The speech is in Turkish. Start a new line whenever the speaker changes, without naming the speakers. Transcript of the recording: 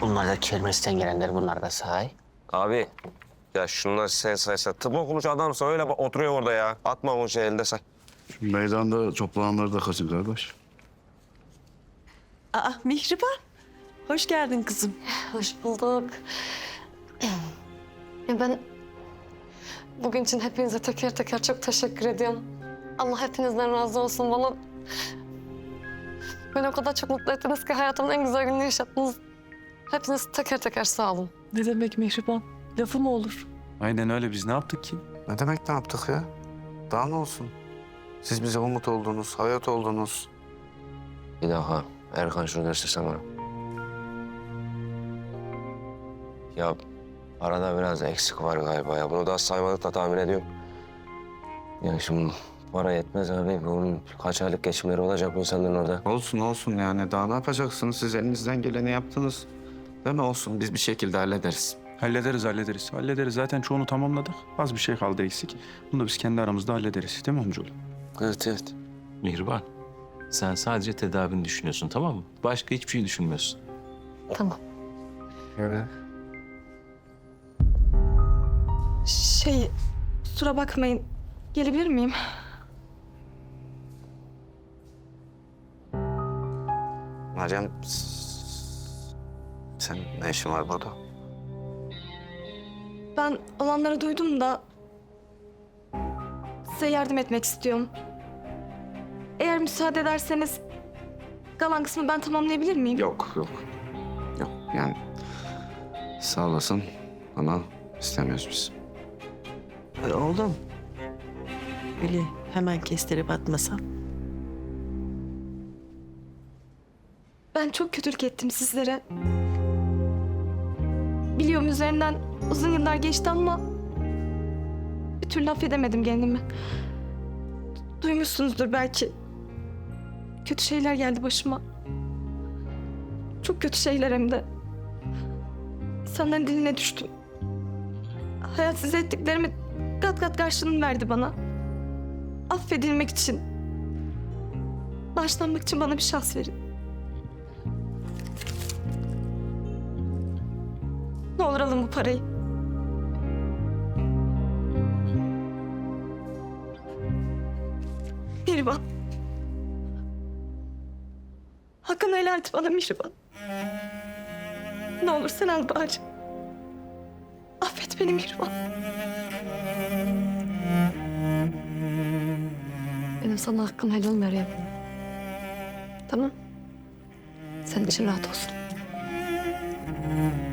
Bunlar da kermesten gelenler, bunlar da sahi.
Abi ya şunlar sen saysa tıp okumuş adamsa öyle oturuyor orada ya. Atma o şey elde say.
Şu meydanda toplananları da kaçın kardeş.
Aa, Mihriban. Hoş geldin kızım.
Hoş bulduk. Ben bugün için hepinize teker teker çok teşekkür ediyorum. Allah hepinizden razı olsun bana. Beni o kadar çok mutlu ettiniz ki hayatımın en güzel gününü yaşattınız. Hepiniz teker teker sağ olun.
Ne demek Mihriban? Lafı mı olur?
Aynen öyle. Biz ne yaptık ki?
Ne demek ne yaptık ya? Daha ne olsun? Siz bize umut oldunuz, hayat oldunuz.
Bir daha Erkan şunu göstersen bana. Ya arada biraz eksik var galiba ya. Bunu daha saymadık da tahmin ediyorum. Ya şimdi para yetmez abi. Bunun kaç aylık geçimleri olacak bu insanların orada.
Olsun olsun yani. Daha ne yapacaksınız? Siz elinizden geleni yaptınız. Değil mi? Olsun. Biz bir şekilde hallederiz.
Hallederiz. Hallederiz. Zaten çoğunu tamamladık. Az bir şey kaldı eksik. Bunu da biz kendi aramızda hallederiz. Değil mi amcaoğlu?
Evet.
Mihriban, sen sadece tedavini düşünüyorsun, tamam mı? Başka hiçbir şey düşünmüyorsun.
Tamam.
Evet.
Kusura bakmayın. Gelebilir miyim?
Meryem, sen ne işin var burada?
Ben olanları duydum da size yardım etmek istiyorum. Eğer müsaade ederseniz kalan kısmı ben tamamlayabilir miyim?
Yok. Yani sağ olasın ama istemiyoruz biz.
Oğlum. Öyle hemen kestirip atmasan.
Ben çok kötülük ettim sizlere. Biliyorum üzerinden uzun yıllar geçti ama bir türlü affedemedim kendimi. Duymuşsunuzdur belki. Kötü şeyler geldi başıma. Çok kötü şeyler hem de. İnsanların diline düştüm. Hayat size ettiklerimi kat kat karşılığını verdi bana. Affedilmek için, bağışlanmak için bana bir şans verin. Ne olur alın bu parayı. Mihriban. Hakkını helal et bana Mihriban. Ne olur sen al bari. Affet beni Mihriban.
Benim sana hakkım helal Meryem. Tamam. Senin için rahat olsun.